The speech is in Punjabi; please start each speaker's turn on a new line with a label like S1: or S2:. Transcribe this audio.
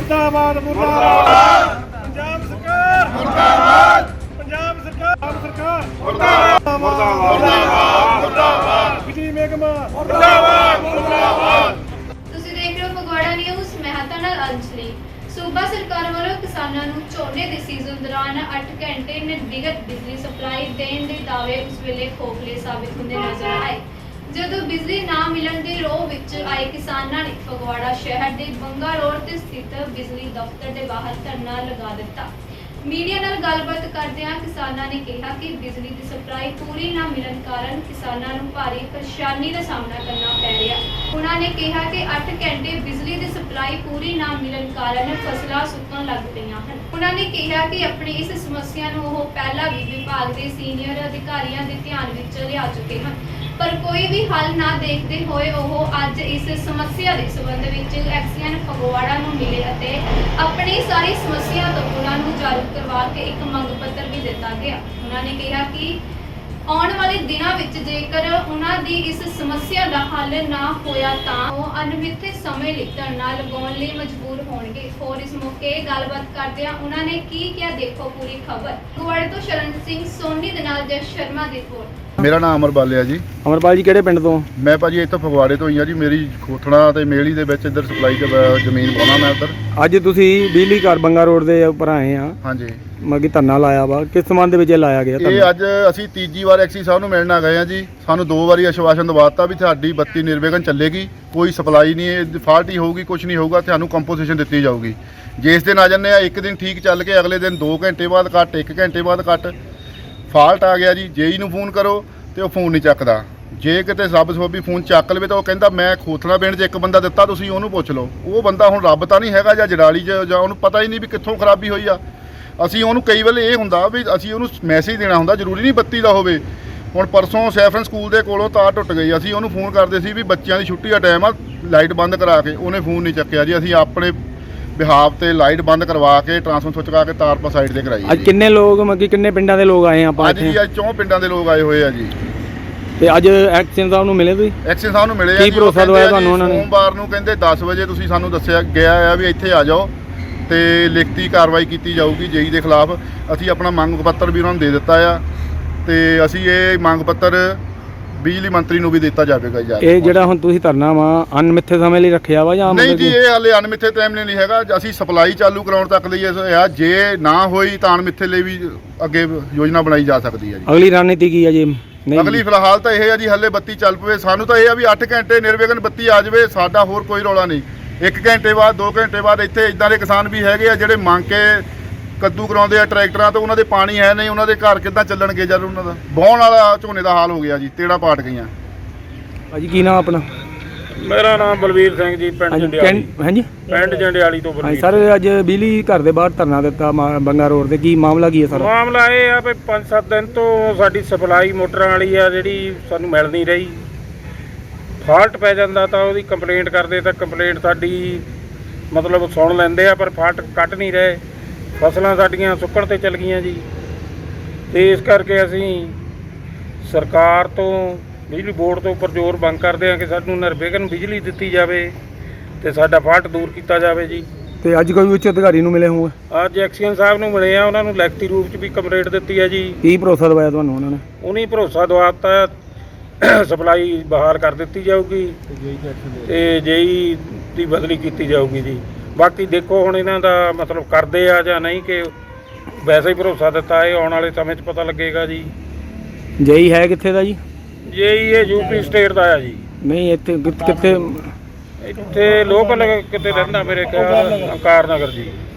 S1: मुर्दाबाद मुर्दाबाद पंजाब सरकार मुर्दाबाद पंजाब सरकार मुर्दाबाद मुर्दाबाद बिजली महकमा मुर्दाबाद मुर्दाबाद।
S2: ਤੁਸੀਂ ਦੇਖ ਰਹੇ ਹੋ ਫਗਵਾੜਾ ਨਿਊਜ਼। ਮੈਂ ਹਾਂ ਤੁਹਾਡੇ ਨਾਲ ਅੰਜਲੀ। ਸੂਬਾ ਸਰਕਾਰ ਵੱਲੋਂ ਕਿਸਾਨਾਂ ਨੂੰ ਝੋਨੇ ਦੇ ਸੀਜ਼ਨ ਦੌਰਾਨ 8 ਘੰਟੇ ਨਿਰਵਿਘਨ ਬਿਜਲੀ ਸਪਲਾਈ ਦੇਣ ਦੇ ਦਾਅਵੇ ਉਸ ਵੇਲੇ ਖੋਖਲੇ ਸਾਬਿਤ ਹੁੰਦੇ ਨਜ਼ਰ ਆਏ ਜਦੋਂ ਬਿਜਲੀ ਨਾ ਮਿਲਣ ਦੇ ਰੋਹ ਵਿੱਚ ਆਏ ਕਿਸਾਨਾਂ ਨੇ ਫਗਵਾੜਾ ਸ਼ਹਿਰ ਦੇ ਬੰਗਾ ਰੋਡ ਤੇ ਸਥਿਤ ਬਿਜਲੀ ਦਫ਼ਤਰ ਦੇ ਬਾਹਰ ਧਰਨਾ ਲਗਾ ਦਿੱਤਾ। ਮੀਡੀਆ ਨਾਲ ਗੱਲਬਾਤ ਕਰਦਿਆਂ ਕਿਸਾਨਾਂ ਨੇ ਕਿਹਾ ਕਿ ਬਿਜਲੀ ਦੀ ਸਪਲਾਈ ਪੂਰੀ ਨਾ ਮਿਲਣ ਕਾਰਨ ਕਿਸਾਨਾਂ ਨੂੰ ਭਾਰੀ ਪਰੇਸ਼ਾਨੀ ਦਾ ਸਾਹਮਣਾ ਕਰਨਾ ਪੈ ਰਿਹਾ। ਉਹਨਾਂ ਨੇ ਕਿਹਾ ਕਿ 8 ਘੰਟੇ ਬਿਜਲੀ ਦੀ ਸਪਲਾਈ ਪੂਰੀ ਨਾ ਮਿਲਣ ਕਾਰਨ ਫਸਲਾਂ ਸੁੱਕਣ ਲੱਗ ਪਈਆਂ ਹਨ। ਉਹਨਾਂ ਨੇ ਕਿਹਾ ਕਿ ਆਪਣੀ ਇਸ ਸਮੱਸਿਆ ਨੂੰ ਉਹ ਪਹਿਲਾਂ ਵੀ ਵਿਭਾਗ ਦੇ ਸੀਨੀਅਰ ਅਧਿਕਾਰੀਆਂ ਦੇ ਧਿਆਨ ਵਿੱਚ ਲਿਆ ਚੁੱਕੇ ਹਨ, ਪਰ ਕੋਈ ਵੀ ਹੱਲ ਨਾ ਦੇਖਦੇ ਹੋਏ ਉਹ ਅੱਜ ਇਸ ਸਮੱਸਿਆ ਦੇ ਸੰਬੰਧ ਵਿੱਚ ਐਕਸੀਅਨ ਫਗਵਾੜਾ ਨੂੰ ਮਿਲੇ ਅਤੇ ਆਪਣੀ ਸਾਰੀ ਸਮੱਸਿਆ ਤੋਂ ਉਹਨਾਂ ਨੂੰ ਜਾਗਰੂਕ ਕਰਵਾ ਕੇ ਇੱਕ ਮੰਗ ਪੱਤਰ ਵੀ ਦਿੱਤਾ ਗਿਆ। ਉਹਨਾਂ ਨੇ ਕਿਹਾ ਕਿ ਆਉਣ ਵਾਲੇ ਦਿਨਾਂ ਵਿੱਚ ਜੇਕਰ ਉਹਨਾਂ ਦੀ ਇਸ ਸਮੱਸਿਆ ਦਾ ਹੱਲ ਨਾ ਹੋਇਆ ਤਾਂ ਉਹ ਅਣਮਿੱਥੇ ਸਮੇਂ ਲਈ ਧਰਨਾ ਲਗਾਉਣ ਲਈ ਮਜਬੂਰ ਹੋਣਗੇ। ਹੋਰ ਇਸ ਮੌਕੇ ਗੱਲਬਾਤ ਕਰਦਿਆਂ ਉਹਨਾਂ ਨੇ ਕੀ ਕਿਹਾ, ਦੇਖੋ ਪੂਰੀ ਖਬਰ। ਫਗਵਾੜੇ ਤੋਂ ਸ਼ਰਨ ਸਿੰਘ ਸੋਨੀ ਦੇ ਨਾਲ ਜਸ ਸ਼ਰਮਾ ਦੀ ਰਿਪੋਰਟ।
S3: ਮੇਰਾ ਨਾਮ ਅਮਰਪਾਲ ਹੈ ਜੀ।
S4: ਅਮਰਪਾਲ ਜੀ ਕਿਹੜੇ ਪਿੰਡ ਤੋਂ?
S3: ਮੈਂ ਭਾਜੀ ਇੱਥੋਂ ਫਗਵਾੜੇ ਤੋਂ ਹੀ ਆ ਜੀ। ਮੇਰੀ ਖੋਥਣਾ ਤੇ ਮੇਲੀ ਦੇ ਵਿੱਚ ਇੱਧਰ ਸਪਲਾਈ ਜ਼ਮੀਨ ਪਾਉਣਾ ਮੈਂ ਉੱਧਰ।
S4: ਅੱਜ ਤੁਸੀਂ ਬਿਜਲੀ ਘਰ ਬੰਗਾ ਰੋਡ ਦੇ ਉੱਪਰ ਆਏ ਆ,
S3: ਹਾਂਜੀ,
S4: ਮਗੀ ਧਰਨਾ ਲਾਇਆ ਵਾ, ਕਿਸ ਸੰਬੰਧ ਵਿੱਚ ਇਹ ਲਾਇਆ ਗਿਆ ਧਰਨਾ?
S3: ਇਹ ਅੱਜ ਅਸੀਂ ਤੀਜੀ ਵਾਰ ਐਕਸੀ ਸਾਹਿਬ ਨੂੰ ਮਿਲਣ ਆ ਗਏ ਆ ਜੀ। ਸਾਨੂੰ 2 ਵਾਰੀ ਆਸ਼ਵਾਸਨ ਦਵਾਤਾ ਵੀ ਤੁਹਾਡੀ ਬੱਤੀ ਨਿਰਵਿਘਨ ਚੱਲੇਗੀ, ਕੋਈ ਸਪਲਾਈ ਨਹੀਂ ਫਾਲਟ ਹੀ ਹੋਊਗੀ, ਕੁਝ ਨਹੀਂ ਹੋਊਗਾ, ਤੁਹਾਨੂੰ ਕੰਪੋਜੀਸ਼ਨ ਦਿੱਤੀ ਜਾਊਗੀ। ਜੇ ਇਸ ਦਿਨ ਆ ਜੰਨੇ ਆ, ਇੱਕ ਦਿਨ ਠੀਕ ਚੱਲ ਕੇ ਅਗਲੇ ਦਿਨ 2 ਘੰਟੇ ਬਾਅਦ ਕੱਟ, 1 ਘੰਟੇ ਬਾਅਦ ਕੱਟ, ਫਾਲਟ ਆ ਗਿਆ ਜੀ। ਜੇਈ ਨੂੰ ਫੋਨ ਕਰੋ ਤੇ ਉਹ ਫੋਨ ਨਹੀਂ ਚੱਕਦਾ। ਜੇ ਕਿਤੇ ਰੱਬ ਸਬੱਬੀ ਫੋਨ ਚੱਕ ਲਵੇ ਤਾਂ ਉਹ ਕਹਿੰਦਾ ਮੈਂ ਖੋਥਣਾ ਪਿੰਡ 'ਚ ਇੱਕ ਬੰਦਾ ਦਿੱਤਾ, ਤੁਸੀਂ ਉਹਨੂੰ ਪੁੱਛ ਲਓ। ਉਹ ਬੰਦਾ ਹੁਣ ਰੱਬ ਤਾਂ ਨਹੀਂ ਹੈਗਾ ਜਾਂ ਜੜਾਲੀ 'ਚ, ਜਾਂ ਉਹਨੂੰ ਪਤਾ ਹੀ ਨਹੀਂ ਵੀ ਕਿੱਥੋਂ ਖਰਾਬੀ ਹੋਈ ਆ। ਅਸੀਂ ਉਹਨੂੰ ਕਈ ਵੇਲੇ ਇਹ ਹੁੰਦਾ ਵੀ ਅਸੀਂ ਉਹਨੂੰ ਮੈਸੇਜ ਦੇਣਾ ਹੁੰਦਾ, ਜ਼ਰੂਰੀ ਨਹੀਂ ਬੱਤੀ ਦਾ ਹੋਵੇ। ਹੁਣ ਪਰਸੋਂ ਸੈਫਰਨ ਸਕੂਲ ਦੇ ਕੋਲੋਂ ਤਾਰ ਟੁੱਟ ਗਈ, ਅਸੀਂ ਉਹਨੂੰ ਫੋਨ ਕਰਦੇ ਸੀ ਵੀ ਬੱਚਿਆਂ ਦੀ ਛੁੱਟੀ ਦਾ ਟਾਈਮ ਆ, ਲਾਈਟ ਬੰਦ ਕਰਾ ਕੇ, ਉਹਨੇ ਫੋਨ ਨਹੀਂ ਚੱਕਿਆ ਜੀ। ਅਸੀਂ ਆਪਣੇ ਬਿਹਾਫ ਤੇ ਲਾਈਟ ਬੰਦ ਕਰਵਾ ਕੇ ਟਰਾਂਸਫਾਰਮਰ ਸੁੱਚ ਕਰਾ ਕੇ ਤਾਰ ਪਾ ਸਾਈਡ ਤੇ ਕਰਾਈ।
S4: ਅੱਜ ਕਿੰਨੇ ਲੋਕ ਮਗੀ ਕਿੰਨੇ ਪਿੰਡਾਂ ਦੇ ਲੋਕ ਆਏ ਆਪਾਂ
S3: ਅੱਜ ਜੀ ਅੱਜ 4 ਪਿੰਡਾਂ ਦੇ ਲੋਕ ਆਏ ਹੋਏ ਆ ਜੀ।
S4: ਤੇ ਅੱਜ ਐਕਸ਼ਨ ਸਾਹਿਬ ਨੂੰ ਮਿਲੇ ਤੁਸੀਂ?
S3: ਐਕਸ਼ਨ ਸਾਹਿਬ ਨੂੰ ਮਿਲੇ ਆ
S4: ਕੀ
S3: ਜੀ।
S4: ਭਰੋਸਾ ਦਵਾਇਆ ਤੁਹਾਨੂੰ ਉਹਨਾਂ ਨੇ?
S3: ਸੋਮਵਾਰ ਨੂੰ ਕਹਿੰਦੇ 10 ਵਜੇ ਤੁਸੀਂ ਸਾਨੂੰ ਦੱਸਿਆ ਗਿਆ ਆ ਵੀ ਇੱਥੇ ਆ ਜਾਓ ਤੇ ਲਿਖਤੀ ਕਾਰਵਾਈ ਕੀਤੀ ਜਾਊਗੀ ਜੇਈ ਦੇ ਖਿਲਾਫ। ਅਸੀਂ ਆਪਣਾ ਮੰਗ ਪੱਤਰ ਵੀ ਉਹਨਾਂ ਨੂੰ ਦੇ ਦਿੱਤਾ ਆ ਤੇ ਅਸੀਂ ਇਹ ਮੰਗ ਪੱਤਰ ਬਿਜਲੀ ਮੰਤਰੀ ਨੂੰ ਵੀ ਦਿੱਤਾ ਜਾਵੇਗਾ ਜੀ।
S4: ਇਹ ਜਿਹੜਾ ਹੁਣ ਤੁਸੀਂ ਧਰਨਾ ਵਾ ਅਣਮਿੱਥੇ ਸਮੇਂ ਲਈ ਰੱਖਿਆ ਵਾ ਜਾਂ
S3: ਨਹੀਂ ਜੀ, ਇਹ ਹਾਲੇ ਅਣਮਿੱਥੇ ਟਾਈਮ ਲਈ ਨਹੀਂ ਹੈਗਾ। ਅਸੀਂ ਸਪਲਾਈ ਚਾਲੂ ਕਰਾਉਣ ਤੱਕ ਲਈ ਆ, ਜੇ ਨਾ ਹੋਈ ਤਾਂ ਅਣਮਿੱਥੇ ਲਈ ਵੀ ਅੱਗੇ ਯੋਜਨਾ ਬਣਾਈ ਜਾ ਸਕਦੀ ਹੈ ਜੀ।
S4: ਅਗਲੀ ਰਣਨੀਤੀ ਕੀ ਹੈ ਜੀ?
S3: ਅਗਲੀ ਫਿਲਹਾਲ ਤਾਂ ਇਹ ਹੈ ਜੀ, ਹੱਲੇ ਬੱਤੀ ਚੱਲ ਪਵੇ। ਸਾਨੂੰ ਤਾਂ ਇਹ ਆ ਵੀ 8 ਘੰਟੇ ਨਿਰਵਿਘਨ ਬੱਤੀ ਆ ਜਾਵੇ, ਸਾਡਾ ਹੋਰ ਕੋਈ ਰੌਲਾ ਨਹੀਂ। 1 ਘੰਟੇ ਬਾਅਦ 2 ਘੰਟੇ ਬਾਅਦ ਇੱਥੇ ਇਦਾਂ ਦੇ ਕਿਸਾਨ ਵੀ ਹੈਗੇ ਆ ਜਿਹੜੇ ਮੰਗ ਕੇ ਕੱਦੂ ਕਰਾਉਂਦੇ ਆ ਟਰੈਕਟਰਾਂ ਤੋਂ, ਉਹਨਾਂ ਦੇ ਪਾਣੀ ਹੈ ਨਹੀਂ, ਉਹਨਾਂ ਦੇ ਘਰ ਕਿੱਦਾਂ ਚੱਲਣਗੇ ਜਦ ਉਹਨਾਂ ਦਾ ਵਾਹੁਣ ਵਾਲਾ ਝੋਨੇ ਦਾ ਹਾਲ ਹੋ ਗਿਆ ਜੀ, ਤੇੜਾ ਪਾਟ ਗਈਆਂ।
S4: ਭਾਜੀ ਕੀ ਨਾਮ ਆਪਣਾ?
S5: ਮੇਰਾ ਨਾਮ ਬਲਵੀਰ ਸਿੰਘ ਜੀ, ਪਿੰਡ ਜੰਡਿਆਲੀ।
S4: ਹਾਂਜੀ,
S5: ਪਿੰਡ ਜੰਡਿਆਲੀ ਤੋਂ
S4: ਹਾਂਜੀ
S5: ਬਲਵੀਰ।
S4: ਸਰ, ਅੱਜ ਬਿਜਲੀ ਘਰ ਦੇ ਬਾਹਰ ਧਰਨਾ ਦਿੱਤਾ ਬੰਗਾ ਰੋਡ ਤੇ, ਕੀ ਮਾਮਲਾ ਕੀ ਹੈ ਸਰ?
S5: ਮਾਮਲਾ ਇਹ ਆ ਵੀ 5-7 ਦਿਨ ਤੋਂ ਸਾਡੀ ਸਪਲਾਈ ਮੋਟਰਾਂ ਵਾਲੀ ਆ ਜਿਹੜੀ ਸਾਨੂੰ ਮਿਲ ਨਹੀਂ ਰਹੀ। ਫਾਲਟ ਪੈ ਜਾਂਦਾ ਤਾਂ ਉਹਦੀ ਕੰਪਲੇਂਟ ਕਰਦੇ ਤਾਂ ਕੰਪਲੇਂਟ ਸਾਡੀ ਮਤਲਬ ਸੁਣ ਲੈਂਦੇ ਆ, ਪਰ ਫਾਲਟ ਕੱਟ ਨਹੀਂ ਰਹੇ। ਫਸਲਾਂ ਸਾਡੀਆਂ ਸੁੱਕਣ ਤੇ ਚਲ ਗਈਆਂ ਜੀ। ਤੇ ਇਸ ਕਰਕੇ ਅਸੀਂ ਸਰਕਾਰ ਤੋਂ, ਬਿਜਲੀ ਬੋਰਡ ਤੋਂ ਉੱਪਰ ਜ਼ੋਰ ਮੰਗ ਕਰਦੇ ਹਾਂ ਕਿ ਸਾਨੂੰ ਨਿਰਵਿਘਨ ਬਿਜਲੀ ਦਿੱਤੀ ਜਾਵੇ ਤੇ ਸਾਡਾ ਫਾਲਟ ਦੂਰ ਕੀਤਾ ਜਾਵੇ ਜੀ।
S4: ਤੇ ਅੱਜ ਕੋਈ ਉੱਚ ਅਧਿਕਾਰੀ ਨੂੰ ਮਿਲੇ ਹੋਏ?
S5: ਅੱਜ ਐਕਸੀਅਨ ਸਾਹਿਬ ਨੂੰ ਮਿਲੇ ਆ, ਉਹਨਾਂ ਨੂੰ ਲਿਖਤੀ ਰੂਪ 'ਚ ਵੀ ਕੰਪਲੇਂਟ ਦਿੱਤੀ ਹੈ ਜੀ।
S4: ਕੀ ਭਰੋਸਾ ਦਵਾਇਆ ਤੁਹਾਨੂੰ ਉਹਨਾਂ ਨੇ?
S5: ਉਹਨੇ ਭਰੋਸਾ ਦਵਾਤਾ ਸਪਲਾਈ ਬਹਾਲ ਕਰ ਦਿੱਤੀ ਜਾਊਗੀ ਤੇ ਜੇਈ ਦੀ ਬਦਲੀ ਕੀਤੀ ਜਾਊਗੀ ਜੀ। ਬਾਕੀ ਦੇਖੋ ਹੁਣ ਇਹਨਾਂ ਦਾ ਮਤਲਬ ਕਰਦੇ ਆ ਜਾਂ ਨਹੀਂ, ਕਿ ਵੈਸੇ ਹੀ ਭਰੋਸਾ ਦਿੱਤਾ, ਇਹ ਆਉਣ ਵਾਲੇ ਸਮੇਂ 'ਚ ਪਤਾ ਲੱਗੇਗਾ ਜੀ।
S4: ਜੇਈ ਹੈ ਕਿੱਥੇ ਦਾ ਜੀ?
S5: ਜੇਈ ਇਹ ਯੂਪੀ ਸਟੇਟ ਦਾ ਆ ਜੀ।
S4: ਨਹੀਂ, ਇੱਥੇ ਕਿੱਥੇ?
S5: ਇੱਥੇ ਲੋਕਲ ਕਿਤੇ ਰਹਿੰਦਾ ਮੇਰੇ ਖਿਆਲ ਅੰਕਾਰ ਨਗਰ ਜੀ।